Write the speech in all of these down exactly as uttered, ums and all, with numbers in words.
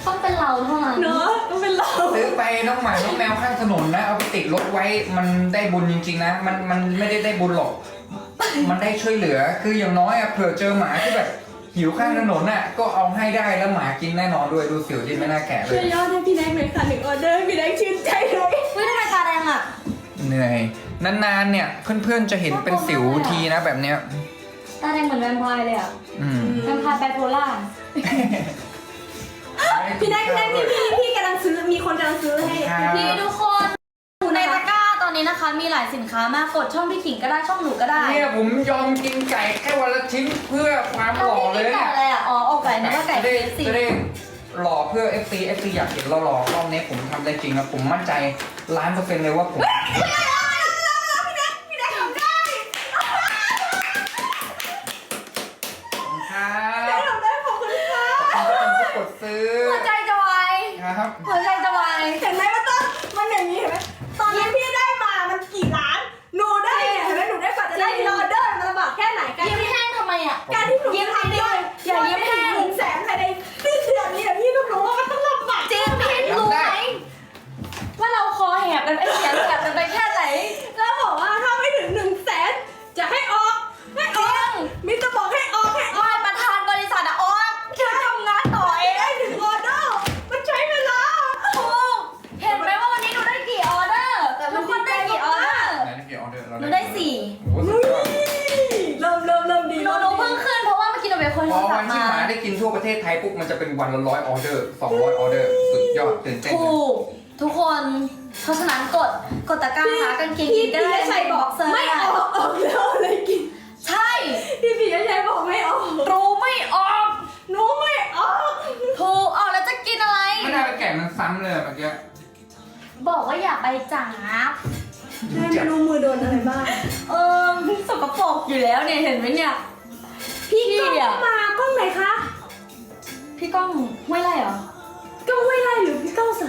ต้องเป็นเราเท่านั้นเนอะต้องเป็นเราซื้อไปน้องหมาน้องแมวข้างถนนนะเอาไปติดรถไว้มันได้บุญจริงๆนะมันมันไม่ได้ได้บุญหรอกมันได้ช่วยเหลือคืออย่างน้อยอะเผื่อเจอหมาที่แบบหิวข้างถนนน่ะก็เอาให้ได้แล้วหมากินแน่นอนด้วยดูสิวที่ไม่น่าแก่เลช่วยยยอดให้พี่แดงหน่อยค่ะหนึ่งออเดอร์พี่แดงชื่นใจเลยเฮ้ยทำไมตาแดงอ่ะเหนื่อยนานๆเนี่ยเพื่อนๆจะเห็นเป็นสิวทีนะแบบเนี้ยตาแดงเหมือนแวมไพร์เลยอ่ะอืมแวมไพร์ไบโพล่าพี่แดงพี่แดงพี่พี่พี่กำลังซื้อมีคนกำลังซื้อให้พี่ทุกคนในตะกร้าตอนนี้นะคะ มีหลายสินค้ามากกดช่องพี่ขิงก็ได้ช่องหนูก็ได้เนี่ยผมยอมกินไก่แค่วันละชิ้นเพื่อความหแล้วล่อพี่เลกินยไก่เนี่ยอะไรอ่ะอ๋ออกไก่นึกว่าไก่จะเคได้ฟซีจะได้หล่อเพื่อ เอฟ ซี เอฟ ซี อยากเห็นเราหล่อรอบนี้ผมทำได้จริงนะผมมั่นใจล้านเปอร์เซ็นต์เลยว่าผมพี่แดงพี่แดงทำได้ครับทำได้ขอบคุณค่ะขอบคุณทุกคนที่กดซื้อหัวใจจะวายครับหัวใจจะวายเห็นไหมว่าต้นมันอย่างนี้เห็นไหมตอนนี้พี่ได้มามันกี่ล้านหนูได้เนี่ยเห็นไหมหนูได้กว่าจะได้ทีละออเดอร์มันลำบากแค่ไหนการยิ้มแห้งทำไมอ่ะการที่หนูยิ้มทำดิได้อย่ายิ้มแห้งหนึ่งแสนภายในสิ้นเดือนนี้อะพี่ต้องรู้ว่ามันต้องลำบากจริงพี่รู้ไหมว่าเราคอแหบกันไอ้เสียงแหบกันไปแค่ไหนแล้วบอกว่าถ้าไม่ถึงหนึ่งแสนจะให้ออกให้ออกมิจะบอกให้ออกให้ออกไม่ประธานบริษัทอะออกฉันทำงานต่อเอได้งถึงออเดอร์มันใช้เวลาถูกเห็นไหมว่าวันนี้หนูได้กี่ออเดอร์ทุกคนได้กี่ออเดอร์ไหนได้กี่ออเดอร์เราหนูได้สี่โอ้โหสุดยอดเริ่มเริ่มเริ่มดีหนูหนูเพิ่งขึ้นเพราะว่าเมื่อกี้หนูเป็นคนพโทอรศัวัพนท์ที่มาหมาได้กินทั่วประเทศไทยปุ๊บมันจะเป็นวันละร้อยออเดอร์สองร้อยออเดอร์สุดยอดตื่นเต้นถูกทุกคนเพราะฉะนั้นกดกดตะกร้าหากางเกงพี่ยีนก็พี่ได้ชัยบอกเซอร์ไม่ออกออกแล้วอะไรกินใช่พี่พี่ชัยบอกไม่ออกรู้ไม่ออกหนูไม่ออกถูกออกแล้วจะกินอะไรไม่ได้ไปแกะมันซ้ำเลยเมื่อกี้บอกว่าอย่าไปจับแม่ไม่รู้มือโดนอะไรบ้างเออสกปรกอยู่แล้วเนี่ยเห็นไหมเนี่ยพี่กล้องพี่อะมากล้องไหนคะพี่ก้องห้วยไรเหรอกล้องห้วยไร่หรือพี่กล้องสาร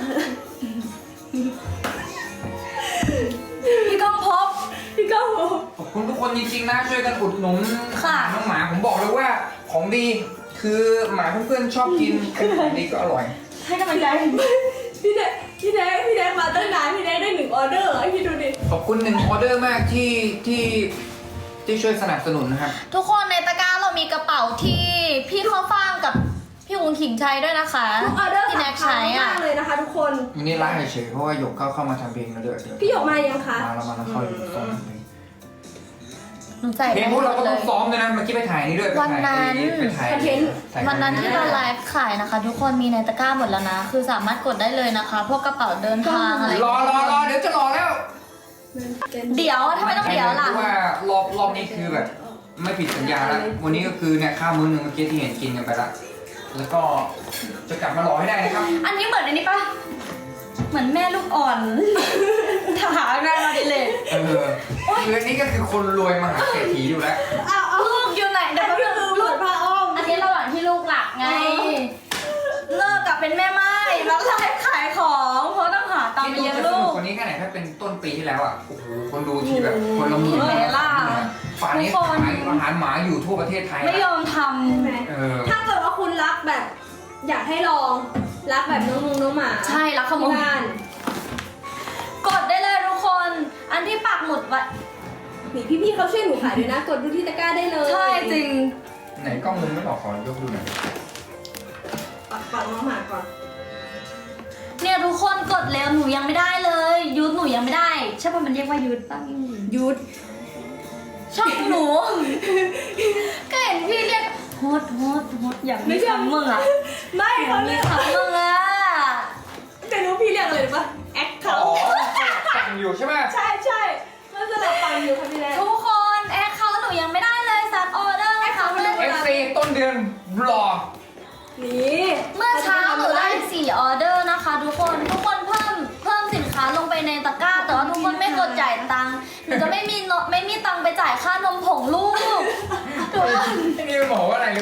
พี่ก้องพบพี่กล้องขอบคุณทุกคนจริงๆนะช่วยกันอุดหนุนค่ะน้องหมาผมบอกเลยว่าของดีคือหมาเพื่อนๆชอบกินของดีก็อร่อยให้กำลังใจพี่แดงพี่แดงพี่แดงมาตั้งนานพี่แดงได้หนึ่งออเดอร์เหรอพี่ดูดิขอบคุณหนึ่งออเดอร์มากที่ที่ที่ช่วยสนับสนุนนะครับทุกคนในตะกร้าเรามีกระเป๋าที่พี่ข้าวฟ่างกับพี่วุ้นขิงใช้ด้วยนะคะทุกออเดอร์ที่แน็กสำคัใช้ญอ่ะมากเลยนะคะทุกคนอันนี้ไล่เฉยๆเพราะว่าหยกเข้าเข้ามาทำเพลงแล้วเด้อเดี๋ยวพี่หยกมายังคะมาแล้วมาแล้วเข้าอยู่ตรงเพลงหนูใส่เพลงพวกเราก็ต้องซ้อมด้วยนะเมื่อกี้ไปถ่ายนี่ด้วยไปวันถ่ายนั้นไปถ่ายถ่ายวันนั้นที่เราไลฟ์ขายนะคะ ทุกคนมีในตะกร้าหมดแล้วนะ คือสามารถกดได้เลยนะคะ พวกกระเป๋าเดินทางอะไรรอรอรอเดี๋ยวจะรอแล้วเดี๋ยวทำไมต้องเดี๋ยวล่ะเพราะว่ารอบรอบนี้คือแบบ ไม่ผิดสัญญาแล้ววันนี้ก็คือเนี่ยข้าวมื้อหนึงเมื่อกี้ที่เห็นกินกันไปละแล้วก็จะกลับมารอให้ได้นะครับอันนี้เหมือนอันนี้ปะเหมือนแม่ลูกอ่อน ถามงานมาดิเลยเออคืออันนี้ก็คือคนรวยมหาเศรษฐีอยู่แล้วอ้าวเอาลูกอยู่ไหนเดี๋ยวแป๊บนึงคือลูลูกกพระอ้อมอันนี้ระหว่างที่ลูกหลับไง เลิกกับเป็นแม่ไม้แล้วไลฟ์ขายของเพราะต้องหาตังค์ไปที่เลี้ยงจะสลูนุกกกว่านี้แค่ไหนถ้าเป็นต้นปีที่แล้วอ่ะโอ้โหคนดูที่แบบคนละหมื่นเห็นไหมล่ะป่านนี้ทุกคนขายอาหารหมาอยู่ทั่วประเทศไทยไม่ยอมทใช่ไหมเออถ้าเกิดว่าคุณรักแบบ อยากให้ลองรักแบบน้องมงน้องหมาำใช่แล้วขโมที่ยบ้านกดได้เลยทุกคน อันที่ปักหมุดไว้นี่พี่ๆเขาช่วยหนูขายด้วยนะ กดดูที่ตะกร้าได้เลยใช่จริงไหนกล้องมึงไม่บอกขอยกดูหน่อยปักปักน้องหมาก่อนเนี่ยทุกคนกดแล้วหนูยังไม่ได้เลยยุทธหนูยังไม่ได้ใช่ป่ะมันเรียกว่ายุทธป่ะยุดช่องหนู ก็เห็นพี่เรียกโฮดโฮดโฮดอยากมีคำมึงอ่ะไม่อยาเขากมีเรียกคำมึงอ่ะแต่รู้พี่เรียกอะไรรู้ปะแอคเคาอ๋อท์สั่งอยู่ใช่ไหมใช่ใช่มันสลับฟังอยู่ค่ะพี่แดงทุกคนแอคเขาหนูยังไม่ได้เลยซักออเดอร์ให้เขาเลยเอฟซีต้นเดือนรอนี่เมื่อเช้าหนูได้สี่ออเดอร์นะคะ ทุกคนทุกคนเพิ่มเพิ่มสินค้าลงไปในตะกร้า แต่ว่าทุกคนไม่กดจ่ายตังค์หนูจะไม่มีเนอะไม่มีตังค์ไปจ่ายค่านมผงลูกทุกคนที่นี่มันบอกว่าอะไรรู้ป่ะ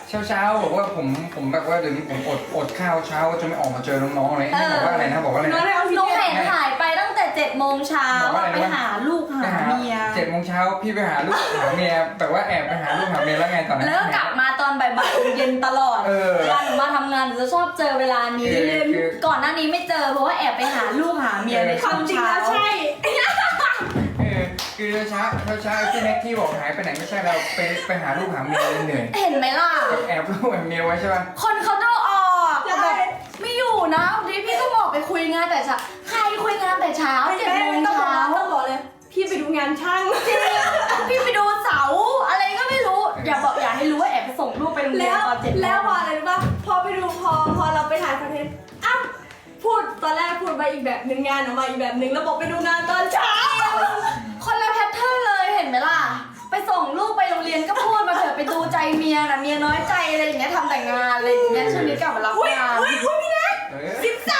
เช้าเช้าๆบอกว่าผมผมแบบว่าเดี๋ยวนี้ผมอดอดข้าวเช้าก็จะไม่ออกมาเจอน้องๆอะไรนี่บอกว่าอะไรนะบอกว่าอะไรน้องนะได้เอาหพี่นูเจเห็นหายไปตั้งแต่เจ็ดโมงเช้าบอกว่าอะไรไปนะหาลูกหาเมียเจ็ดโมงเช้าพี่ไปหาลูกหาเมียแบบว่าแอบไปหาลูกหาเมียแล้วไงตอนนั้นแล้วก็กลับมาตอนบ่ายๆเย็นตลอดเออเวลาหนูมาทำงานหนูจะชอบเจอเวลานี้คือคือก่อนหน้านี้ไม่เจอเพราะว่าแอบไปหาลูกหาเมียในคช่วาว มงจริงเช้าแล้วใช่เออคือเช้าเช้าเช้าที่แม็กที่บอกหายไปไหนไม่ใช่เราไปไปหาลูกหาเมียเหนื่อยเห็นไหมล่ะแบบแอบลูกแอบเมียไว้ใช่ป่ะคนเขาดูออกใช่แบบไม่อยู่นะวันนี้พี่ต้องบอกไปคุยงานแต่เช้าใครคุยงานแต่เช้าไม่เจ็ดได้โมงต้องบอกเช้าต้องบอกเลย พี่ไปดูงานช่างพี่ไปดูเสาอะไรก็ไม่รู้ อย่าบอกอย่าให้รู้ว่าแอบไปส่งลูกไปโรงเรียแล้นวตอนเจ็ดโมงแล้วพออะไรรู้ป่ะพอไปดูพอพอเราไปถ่ายคอนเทนต์อ้าวพูดตอนแรกพูดไปอีกแบบหนึ่งงานออกมาอีกแบบหนึ่งแล้วบอกไปดูงานตอนเช้าคนละแพทเทิร์นเลยเห็นไหมล่ะ ไปส่งลูกไปโรงเรียนก็พูดมาเถอะไปดูใจเมียนะเมียน้อยใจอะไรอย่างเงี้ยทำแต่งานอะไรอย่างเงี้ยช่วงนี้กลับมารับอุ้ยงานอุ้ยอุ้ยพี่แน็กเออสิบสาม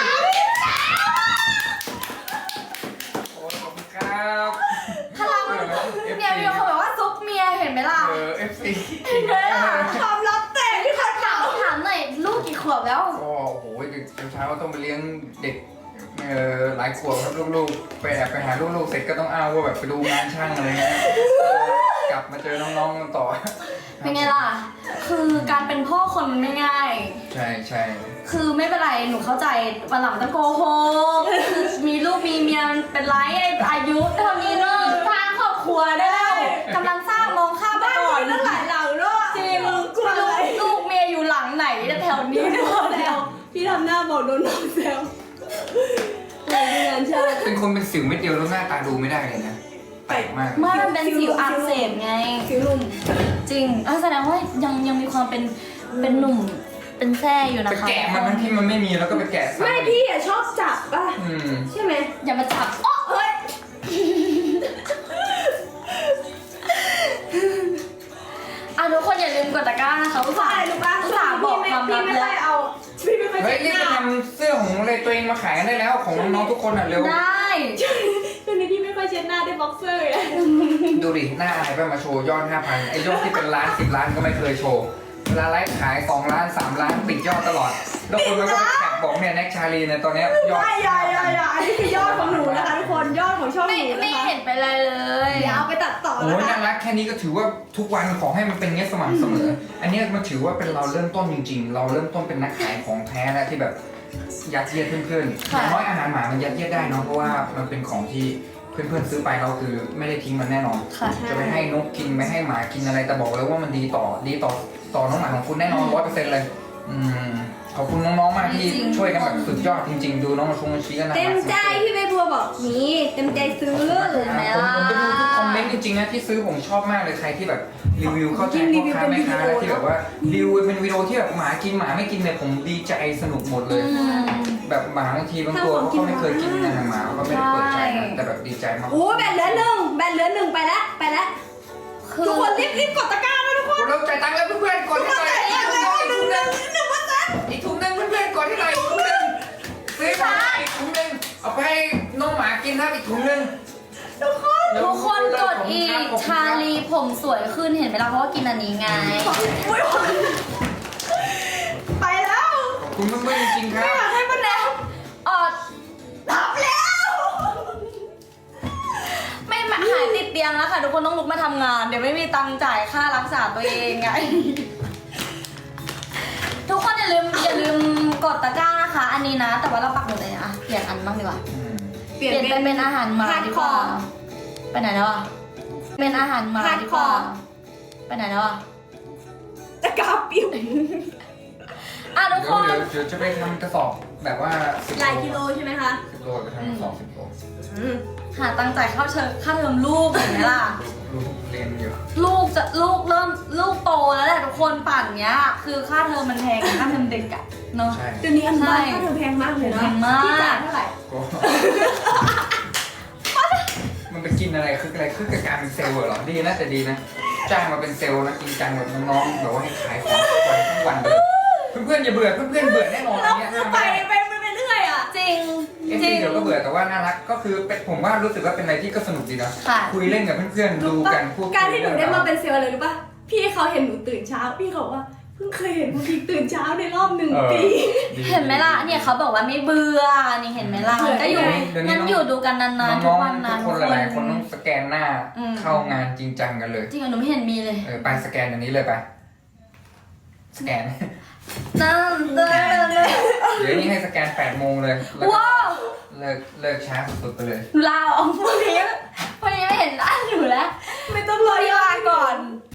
โอ้ขอบคุณครับพลังเนี่ยมีคนบอกว่าซุปเมียเห็นไหมล่ะเออเอฟซีเห็นไหมล่ะความลับแตกที่เขาถามถามหน่อยลูกกี่ขวบแล้วก็โอ้โหเช้าๆต้องไปเลี้ยงเด็กเออหลายขวบครับลูกๆไปแอบไปหาลูกๆเสร็จก็ต้องอ้าวว่าแบบไปดูงานช่างอะไรเงี้ยเออกลับมาเจอน้องๆกันต่อเป็นไงล่ะ คือการเป็นพ่อคนมันไม่ง่ายใช่ใช่คือไม่เป็นไร หนูเข้าใจวันหลังต้องโกหกคือมีลูกมีเมียมันเป็นไรอายุเท่านี้เนอะสร้างครอบครัวได้แล้วกำลังสร้างมองข้ามไปบ้านก่อนมีตั้งหลายหลังด้วยจริงกลัวลูอะไรกลูกเมียอยู่หลังไหนแถวนี้ด้วยแล้แล้ว วพี่ทำหน้าบอกโดนน้องแซวเลยดูงานช่างเป็นคนเป็นสิวเม็ดเดียวแล้วหน้าตาดูไม่ได้เลยนะแปลกมากไม่มันเป็นสิวอักเสบไงสิวหนุ่มจริงอ่ะแสดงว่ายังยังมีความเป็นเป็นหนุ่มเป็นแท่อยู่ไปนะคะแกะมันทั้งที่มันไม่มีแล้วก็ไปแกะซ้ำไม่พี่อะชอบจับป่ะอืมใช่ไหมอย่ามาจับอ๊ะเฮ้ยอ่ะทุกคนอย่าลืมกดตะกร้านะคะอุตเพราะส่าอะไรห์รู้ป่ะอุตส่าห์บอกความพี่ลับไม่แล้ค่อยว เอาพี่ไม่ค่อยเฮ้ยเช็ดรีบหไปน้าทำเสื้อของอะไรตัวเองมาขายกันได้แล้วของน้องๆทุกคนอ่ะเร็วได้ช่วงนี้พี่ไม่ค่อยเช็ดหน้าด้วยบ็อกเซอร์ไงดูดิหน้าอะไรไปมาโชว์ยอดห้าพันไอ้ยอดที่เป็นล้านสิบล้านก็ไม่เคยโชว์เวลาไลฟ์ขายสองล้านสามล้านปิดยอดตลอด แล้วคนมันก็ไปแท็กบอกเนี่ยแน็กชาลีเนี่ยตอนเนี้ยยอดไม่อย่าอย่าอย่าอันนี้คือยอดของหนูนะคะทุกคนยอดของช่องหไม่นูไม่นะคะเห็นไปเลยเลยเดี๋ยวเอาไปตัดต่อโอ้นะยคะน่ารักแค่นี้ก็ถือว่าทุกวันขอให้มันเป็นเงี้ยสม่ำเสมอ อันเนี้ยมันถือว่าเป็นเราเริ่มต้นจริง ๆ เราเริ่มต้นเป็นนักขายของแท้แล้วที่แบบยัดเยียดเพื่อนๆอย่างน้อยอาหารหมามันยัดเยียดได้เนาะเพราะว่ามันเป็นของที่เพื่อนๆซื้อไปเราคือไม่ได้ทิ้งมันแน่นอนค่ะจะไปให้นกกินไม่ให้หมากินอะไรแต่บอกเลยว่ามันดีต่อดีต่อต่อน้องหมาของคุณแน่นอนร้อยเปอร์เซ็นต์เลยอืมขอบคุณน้องๆมากที่ช่วยกันแบบสุดยอดจริง ๆ ดูน้องมาชงมาชี้กันนะเต็มใจพี่ใบบัวบอกนี่เต็มใจซื้อผมผมไปดูทุกคอมเมนต์จริงๆนะที่ซื้อผมชอบมากเลยใครที่แบบรีวิวเข้าใจพ่อค้าแม่ค้าแล้วที่แบบว่ารีวิวเป็นวิดีโอที่แบบหมากินหมาไม่กินเนี่ยผมดีใจสนุกหมดเลยอืมแบบหมาบางทีบางตัวเขาไม่เคยกินอาหารหมาเขาก็ไม่ได้เปิดใจนะแต่แบบดีใจมากโอ้แบนเหลือหนึ่งแบนเหลือหนึ่งไปแล้วไปแล้วคือทุกคนรีบรีบกดตะกร้านะทุกคนเราจ่ายตังค์แล้วเพื่อนๆกดให้หน่อยอีกถุงนึงหนึ่งหนึ่งหนึ่งเปอร์เซ็นต์อีกถุงนึงเพื่อนๆกดให้หน่อยอีกถุงนึงซื้อมาอีกถุงนึงเอาไปให้น้องหมากินครับอีกถุงนึงทุกคนทุกคนกดอีกชาลีผมสวยขึ้นเห็นไหมล่ะเพราะว่ากินอันนี้ไงอุ้ยไปแล้วขอบคุณเพื่อนๆจริงๆครัไม่บอยากให้มันแล้วออดทับแล้วไม่มาหายติดเตียงแล้วค่ะ ทุกคนต้องลุกมาทำงาน เดี๋ยวไม่มีตังค์จ่ายค่ารักษาตัวเองไง ทุกคนอย่าลืมอย่าลืมกดตะกร้านะคะ อันนี้นะ แต่ว่าเราปักหมุดเลยนะเปลี่ยนอันบ้างดีกว่าอืมเปลี่ยนเป็นเป็นอาหารหมาดีกว่า ไปไหนแล้วอ่ะ เป็นอาหารหมาดีกว่า ไปไหนแล้วอ่ะตะกร้าปิ้วอ่ะทุกเดี๋คยวน เดี๋ยวเดี๋ยวจะไปทำกระสอบแบบว่าสิบหลายกิโลใช่ไหมคะสิบโลไปทำกระสอบสิบโลอืมหาตังค์จ่ายค่าเชิญค่าเทอมลูกเห็นไหมล่ะรู้เรียนอยู่ลูกจะลูกเริ่มลูกโตแล้วแหละทุกคนป่านเนี้ย คือค่าเทอมมันแพงค่าเทอมเด็กอะเนาะใช่เดี๋ยวนี้อันบ้านใช่ค่าเทอมแพงมากเลยนะแพงมากพี่จ่ายเท่าไหร่ก็มันไปกินอะไรคืออะไรคือกับการเป็นเซลล์เหรอดีนะแต่ดีนะจ้างมาเป็นเซลล์นะจริงจังแบบน้องๆแบบว่าให้ขายของทุกวันทุกวันเลยเพื่อนๆอย่าเบื่อเพื่อนๆเบื่อแน่นอนอันเนี้ยคือไปไปไปเรื่อยอ่ะจริงเอฟจริซีงเดี๋ยวก็เบื่อแต่ว่าน่ารักก็คือเป็นผมว่ารู้สึกว่าเป็นอะไรที่ก็สนุกดีนะค่ะคุยเล่นกับเพื่อนๆดูกันพูดคุยการที่หนูได้มาเรื่องรวเป็นเซลล์เลยรู้ป่ะ พี่เขาเห็นหนูตื่นเช้า พี่เขาบอกว่าเพิ่งเคยเห็นคุณทิงตื่นเช้าในรอบหนึ่งเออปีดีเห็นไหมล่ะเนี่ยเขาบอกว่าไม่เบื่อนี่เห็นไหมล่ะมันก็อยู่เดี๋ยวนี้งั้นอยู่ดูกันนานๆทุน้กองวันๆนะทุกคนหลายๆคนต้องสแกนหน้าอืมเข้างานจริงจังกันเลยจริงเหรอหนูไม่เห็นมีเลยเออไปสแกนอันนี้เลยไป สแกนนั่นนั่นนั่นเดี๋ยวนี้ให้สแกนแปดโมงเลยแล้วก็ว้าวเลิกเลิกช้าสุดๆไปเลยลาออกพวกนี้พวกนี้ไม่เห็นได้